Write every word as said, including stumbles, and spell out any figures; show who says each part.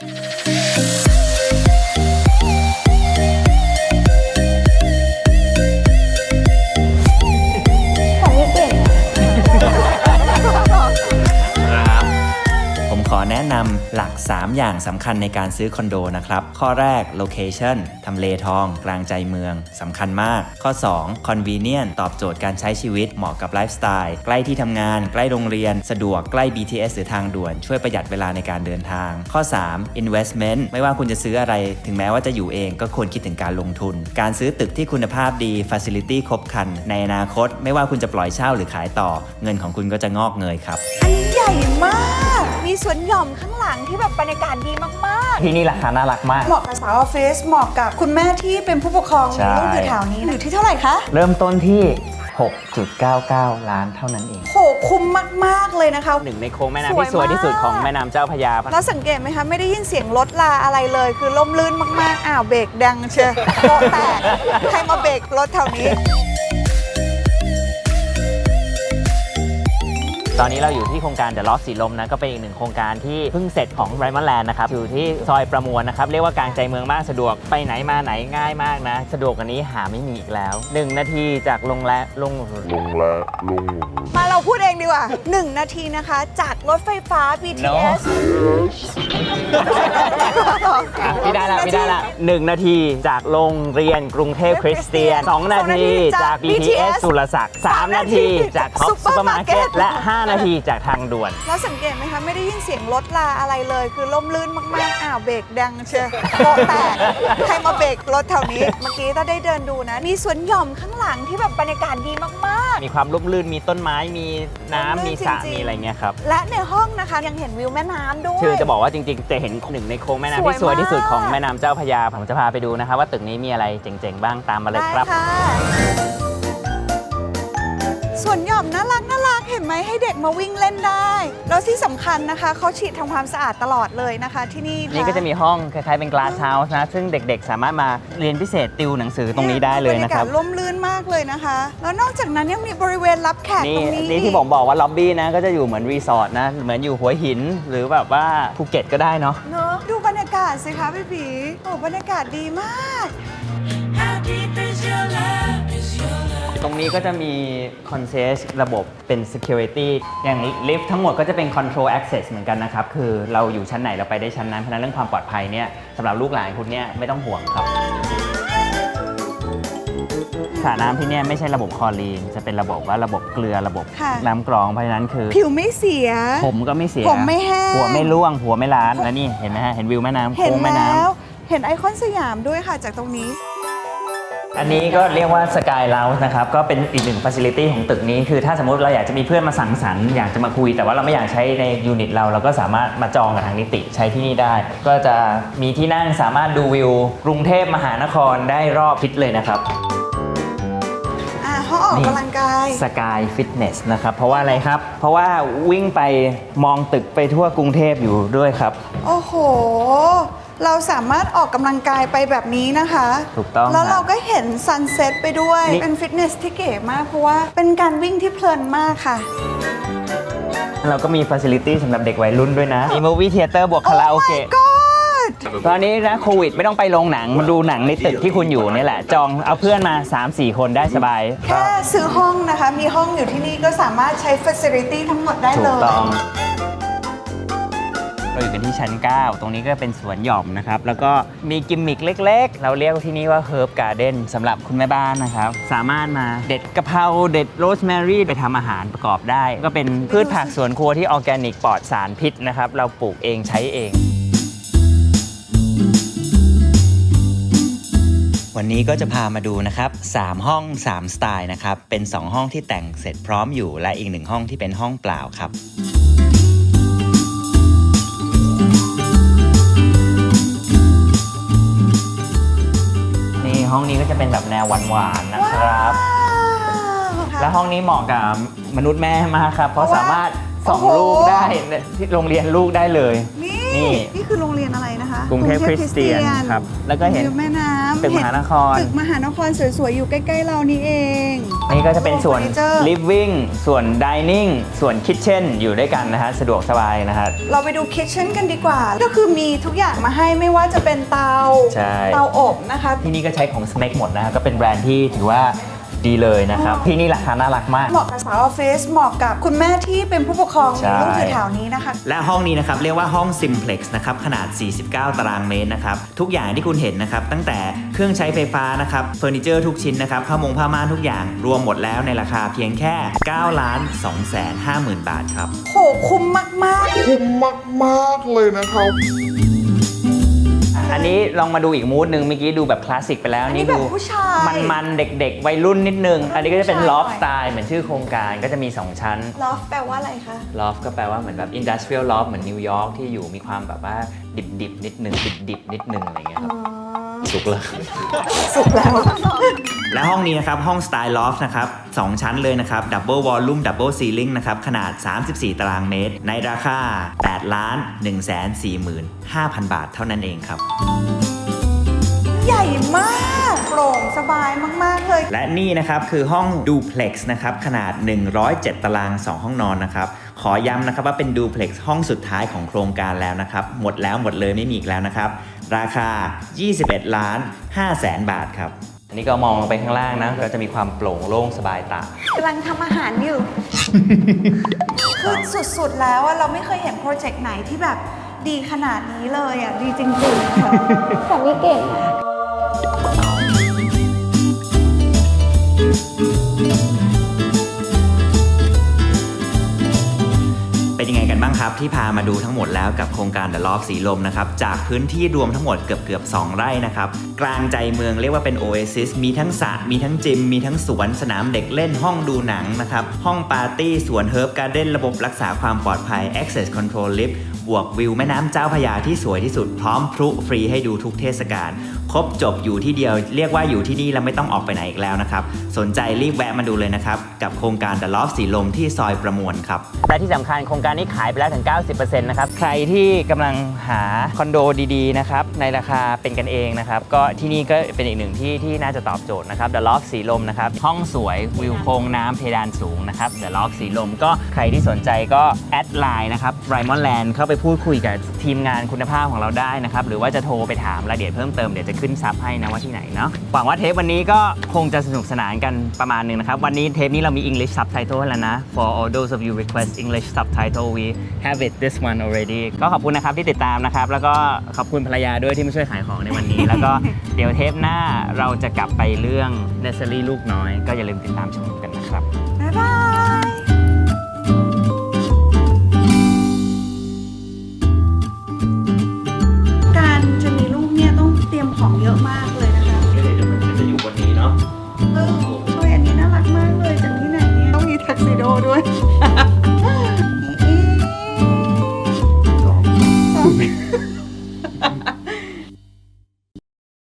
Speaker 1: ขอแนะนำหลักสามอย่างสำคัญในการซื้อคอนโดนะครับข้อแรก location ทำเลทองกลางใจเมืองสำคัญมากข้อสอง convenient ตอบโจทย์การใช้ชีวิตเหมาะกับไลฟ์สไตล์ใกล้ที่ทำงานใกล้โรงเรียนสะดวกใกล้ บี ที เอส หรือทางด่วนช่วยประหยัดเวลาในการเดินทางข้อสาม investment ไม่ว่าคุณจะซื้ออะไรถึงแม้ว่าจะอยู่เองก็ควรคิดถึงการลงทุนการซื้อตึกที่คุณภาพดี facility ครบครันในอนาคตไม่ว่าคุณจะปล่อยเช่าหรือขายต่อเงินของคุณก็จะงอกเงยครับ
Speaker 2: อันนี้ใหญ่มากมีสวนหย่อมข้างหลังที่แบบบรรยากาศดีมาก
Speaker 3: ๆที่นี่ราคาน่ารักมาก
Speaker 2: เหมาะกับสาวออฟฟิศเหมาะกับคุณแม่ที่เป็นผู้ปกครองลูกอยู่แถวนี้อยู่ที่เท่าไหร่คะ
Speaker 3: เริ่มต้นที่ หกจุดเก้าเก้า ล้านเท่านั้นเอง
Speaker 2: โหคุ้มมากๆเลยนะคะ
Speaker 3: หนึ่งในโค้งแม่น้ำที่สวยที่สุดของแม่น้ำเจ้าพระยา
Speaker 2: แล้วสังเกตไหมคะไม่ได้ยินเสียงรถลาอะไรเลยคือล่มลื่นมากๆอ้าวเบรกดังเชียวโป๊ะแตกใครมาเบรกรถแถวนี้
Speaker 3: ตอนนี้เราอยู่ที่โครงการ The Loft สีลมนะก็เป็นอีกหนึ่งโครงการที่เพิ่งเสร็จของ Diamond Land นะครับอยู่ที่ซอยประมวลนะครับเรียกว่ากลางใจเมืองมากสะดวกไปไหนมาไหนง่ายมากนะสะดวกกว่านี้หาไม่มีอีกแล้วหนึ่งนาทีจากลงและลงลงและลง
Speaker 2: มาเราพูดเองดีกว่าหนึ่งนาทีนะคะจากรถไฟฟ้า บี ที เอส
Speaker 3: พี่ได้ละพี่ได้ละหนึ่งนาทีจากโรงเรียนกรุงเทพคริสเตียนสองนาทีจาก บี ที เอส สุรศักดิ์สามนาทีจากท็อปซุปเปอร์มาร์เก็ตและห้านาทีจากทางด่วน
Speaker 2: แล้วสังเกตไหมคะไม่ได้ยินเสียงรถลาอะไรเลยคือล่มลื่นมากๆอ้าวเบรกดังเชียวโป๊ะแตกใครมาเบรกรถแถวนี้เมื่อกี้ถ้าได้เดินดูนะมีสวนหย่อมข้างหลังที่แบบบรรยากาศดีมาก
Speaker 3: ๆมีความร่มรื่นมีต้นไม้มีน้ำมีสระมีอะไรเงี้ยครับ
Speaker 2: และในห้องนะคะยังเห็นวิวแม่น้ำด้วย
Speaker 3: คือจะบอกว่าจริงๆจะเห็นหนึ่งในโค้งแม่น้ำที่สวยที่สุดของแม่น้ำเจ้าพระยาผมจะพาไปดูนะคะว่าตึกนี้มีอะไรเจ๋งๆบ้างตามมาเลยครับ
Speaker 2: ส่วนหย่อมน่ารักน่ารักเห็นไหมให้เด็กมาวิ่งเล่นได้แล้วที่สำคัญนะคะเขาฉีดทำความสะอาดตลอดเลยนะคะที่นี่
Speaker 3: นี่ก็จะมีห้องคล้ายๆเป็น glass house นะซึ่งเด็กๆสามารถมาเรียนพิเศษติวหนังสือตรงนี้ได้เลยนะครับ
Speaker 2: บรรยากาศร่มรื่นมากเลยนะคะแล้วนอกจากนั้นยังมีบริเวณรับแขกตรงนี้
Speaker 3: นี่ที่ผมบอกว่าล็อบบี้นะก็จะอยู่เหมือนรีสอร์ทนะเหมือนอยู่หัวหินหรือแบบว่าภูเก็ตก็ได้เนาะ
Speaker 2: เนาะดูบรรยากาศสิคะพี่ผีโอ้บรรยากาศดีมาก
Speaker 3: ตรงนี้ก็จะมี concierge ระบบเป็น security อย่างลิฟต์ทั้งหมดก็จะเป็น control access เหมือนกันนะครับคือเราอยู่ชั้นไหนเราไปได้ชั้นนั้นเพราะนั้นเรื่องความปลอดภัยเนี่ยสำหรับลูกหลานคุณเนี่ยไม่ต้องห่วงครับสระน้ำที่นี่ไม่ใช่ระบบคลอรีนจะเป็นระบบว่าระบบเกลือระบบน้ำกรองเพราะฉะนั้นคือ
Speaker 2: ผิวไม่เสีย
Speaker 3: ผมก็ไม่เสีย
Speaker 2: ผมไม่แห้ง
Speaker 3: หัวไม่ร่วงหัวไม่ล้านแล้วนี่เห็นไหมฮะเห็นวิวแม่น้ำโค้งแม่น้
Speaker 2: ำเห็นไอคอนสยามด้วยค่ะจากตรงนี้
Speaker 3: อันนี้ก็เรียกว่า Sky Lounge นะครับก็เป็นอีกหนึ่ง facility ของตึกนี้คือถ้าสมมติเราอยากจะมีเพื่อนมาสังสรรค์อยากจะมาคุยแต่ว่าเราไม่อยากใช้ในยูนิตเราเราก็สามารถมาจองกับทางนิติใช้ที่นี่ได้ก็จะมีที่นั่งสามารถดูวิวกรุงเทพมหานครได้รอบทิศเลยนะครับ
Speaker 2: ห้องออกกำลังกาย
Speaker 3: Sky Fitness นะครับเพราะว่าอะไรครับเพราะว่าวิ่งไปมองตึกไปทั่วกรุงเทพอยู่ด้วยครับ
Speaker 2: โอ้โหเราสามารถออกกำลังกายไปแบบนี้นะคะ
Speaker 3: ถูกต้อง
Speaker 2: แล้วเราก็เห็นซันเซ็ตไปด้วยเป็นฟิตเนสที่เก๋มากเพราะว่าเป็นการวิ่งที่เพลินมากค่ะ
Speaker 3: เราก็มีฟ a ซิลิตี้สำหรับเด็กวัยรุ่นด้วยนะมีมูฟวี่เธียเตอร์บวกคาราโอเกะตอนนี้นะโควิดไม่ต้องไปโรงหนังมาดูหนังในตึกที่คุณอยู่นี่แหละจองเอาเพื่อนมา สามสี่ คนได้สบาย
Speaker 2: แค่ซื้อห้องนะคะมีห้องอยู่ที่นี่ก็สามารถใช้ฟ a ซิลิตี้ทั้งหมดได้เลย
Speaker 3: ถูกต้องเราอยู่กันที่ชั้นเก้าตรงนี้ก็เป็นสวนหย่อมนะครับแล้วก็มีกิมมิคเล็กๆเราเรียกที่นี่ว่า Herb Garden สำหรับคุณแม่บ้านนะครับสามารถมาเด็ดกะเพราเด็ดโรสแมรี่ไปทำอาหารประกอบได้ก็เป็นพืชผักสวนครัวที่ออร์แกนิกปลอดสารพิษนะครับเราปลูกเองใช้เอง
Speaker 1: วันนี้ก็จะพามาดูนะครับสามห้องสามสไตล์นะครับเป็นสองห้องที่แต่งเสร็จพร้อมอยู่และอีกหนึ่งห้องที่เป็นห้องเปล่าครับ
Speaker 3: ห้องนี้ก็จะเป็นแบบแนวหวานๆนะครับและห้องนี้เหมาะกับมนุษย์แม่มากครับเพราะสามารถส่งลูกได้ที่โรงเรียนลูกได้เลยนี่
Speaker 2: นี่คือโรงเรียนอะไรนะคะ
Speaker 3: กรุงเทพคริสเตียนครับแล้วก็เห็น
Speaker 2: วิวแม่น้ำ
Speaker 3: ตึกมหานคร
Speaker 2: ตึกมหานครสวยๆ อยู่ใกล้ๆ เรานี่เอง
Speaker 3: นี่ก็จะเป็นส่วน
Speaker 2: เฟอร์นิเจอร์
Speaker 3: living ส่วน dining ส่วน kitchen อยู่ด้วยกันนะฮะสะดวกสบายนะฮะ
Speaker 2: เราไปดูคิทเช่นกันดีกว่า ก็คือมีทุกอย่างมาให้ไม่ว่าจะเป็นเตา
Speaker 3: ใช่
Speaker 2: เตาอบนะคะ
Speaker 3: ที่นี่ก็ใช้ของ Smek หมดนะฮะก็เป็นแบรนด์ที่ถือว่าดีเลยนะครับ ที่นี่ราคาน่ารักมาก
Speaker 2: เหมาะกับสาวออฟฟิศเหมาะกับคุณแม่ที่เป็นผู้ปกครอง
Speaker 3: ใช่
Speaker 2: ลูกอยู่แถวนี้นะคะ
Speaker 1: และห้องนี้นะครับเรียกว่าห้อง Simplex นะครับขนาด สี่สิบเก้า ตารางเมตรนะครับทุกอย่างที่คุณเห็นนะครับตั้งแต่เครื่องใช้ไฟฟ้านะครับเฟอร์นิเจอร์ทุกชิ้นนะครับผ้ามงผ้าม่านทุกอย่างรวมหมดแล้วในราคาเพียงแค่ เก้าล้านสองแสนห้าหมื่น บาทครับ
Speaker 2: โหคุ้มมากๆ
Speaker 4: คุ้มมากๆเลยนะครับ
Speaker 3: อันนี้ลองมาดูอีกมูดหนึ่งเมื่อกี้ดูแบบคลาสสิกไปแล้ว
Speaker 2: อันนี้
Speaker 3: นี่ดู
Speaker 2: แบบผู้ชาย
Speaker 3: มันๆ เด็กๆ วัยรุ่นนิดนึง อันนี้ก็จะเป็น
Speaker 2: ผู้ชาย
Speaker 3: loft style เหมือนชื่อโครงการก็จะมี สอง ชั้น
Speaker 2: ลอฟแปลว่าอะไรคะ
Speaker 3: loft ก็แปลว่าเหมือนแบบ industrial loft เหมือนนิวยอร์กที่อยู่มีความแบบว่าดิบๆ นิดนึงดิบๆ นิดนึงอะไรเงี้ยครับสุกเลย
Speaker 2: สุกแล้ว
Speaker 1: และห้องนี้นะครับห้องสไตล์ลอฟนะครับสองชั้นเลยนะครับดับเบิลวอลลุ่มดับเบิลซีลิงนะครับขนาด สามสิบสี่ ตารางเมตร ในราคา แปดล้านหนึ่งแสนสี่หมื่นห้าพัน บาทเท่านั้นเองครับ
Speaker 2: ใหญ่มากโปร่งสบายมากๆเลย
Speaker 1: และนี่นะครับคือห้องดูเพล็กซ์นะครับขนาด หนึ่งร้อยเจ็ด ตาราง สอง ห้องนอนนะครับขอย้ำนะครับว่าเป็นดูเพล็กซ์ห้องสุดท้ายของโครงการแล้วนะครับหมดแล้วหมดเลยไม่มีอีกแล้วนะครับราคา ยี่สิบเอ็ดล้านห้าแสน บาทครับ
Speaker 3: อันนี้ก็มองลงไปข้างล่างนะก็จะมีความโปร่งโล่งสบายตา
Speaker 2: กำลังทำอาหารอยู่ คือสุดๆแล้วอะเราไม่เคยเห็นโปรเจกต์ไหนที่แบบดีขนาดนี้เลยอ่ะ ดีจริงๆค่ะสามีเก่งอะ
Speaker 1: เป็นยังไงกันบ้างครับที่พามาดูทั้งหมดแล้วกับโครงการ The Loft สีลมนะครับจากพื้นที่รวมทั้งหมดเกือบเกือบสองไร่นะครับกลางใจเมืองเรียกว่าเป็น Oasis มีทั้งสระมีทั้งจิมมีทั้งสวนสนามเด็กเล่นห้องดูหนังนะครับห้องปาร์ตี้สวนเฮิร์บการ์เด้นระบบรักษาความปลอดภัย Access Control Lift บวกวิวแม่น้ำเจ้าพระยาที่สวยที่สุดพร้อมพลุฟรีให้ดูทุกเทศกาลครบจบอยู่ที่เดียวเรียกว่าอยู่ที่นี่แล้วไม่ต้องออกไปไหนอีกแล้วนะครับสนใจรีบแวะมาดูเลยนะครับกับโครงการ The Loft สีลมที่ซอยประมวลครับ
Speaker 3: และที่สำคัญโครงการนี้ขายไปแล้วถึง เก้าสิบเปอร์เซ็นต์ นะครับ ใครที่กำลังหาคอนโดดีๆ นะครับ ในราคาเป็นกันเองนะครับ ก็ที่นี่ก็เป็นอีกหนึ่งที่ที่น่าจะตอบโจทย์นะครับ The Loft สีลมนะครับ ห้องสวยวิวโค้งน้ำเพดานสูงนะครับ The Loft สีลมก็ใครที่สนใจก็แอดไลน์นะครับ Raymond Land เข้าไปพูดคุยกับทีมงานคุณภาพของเราได้นะครับ หรือว่าจะโทรไปถามรายละเอียดเพิ่มเติมเดี๋ยวจะขึ้นซับให้นะว่าที่ไหนเนาะหวังว่าเทปวันนี้ก็คงจะสนุกสนานกันประมาณหนึงนะครับวันนี้เทปนี้เรามี English subtitle ให้แล้วนะ for all those of you request English subtitle we have it this one already ก็ขอบคุณนะครับที่ติดตามนะครับแล้วก็ขอบคุณภรรยาด้วยที่มาช่วยขายของในวันนี้ แล้วก็เดี๋ยวเทปหน้าเราจะกลับไปเรื่อง Nursery ลูกน้อยก็อย่าลืมติดตามชมกันนะครับ
Speaker 2: บ๊ายบาย การจะมีลูกเนี่ยต้องเตรียมของเยอะมากเลยนะคะ
Speaker 3: เดี๋ยวมันจะอยู่บนนี้เนาะ
Speaker 2: เออโอ้ยอันนี้น่ารักมากเลยจากที่ไหนเนี่ยต้องมีทักซิโดด้วย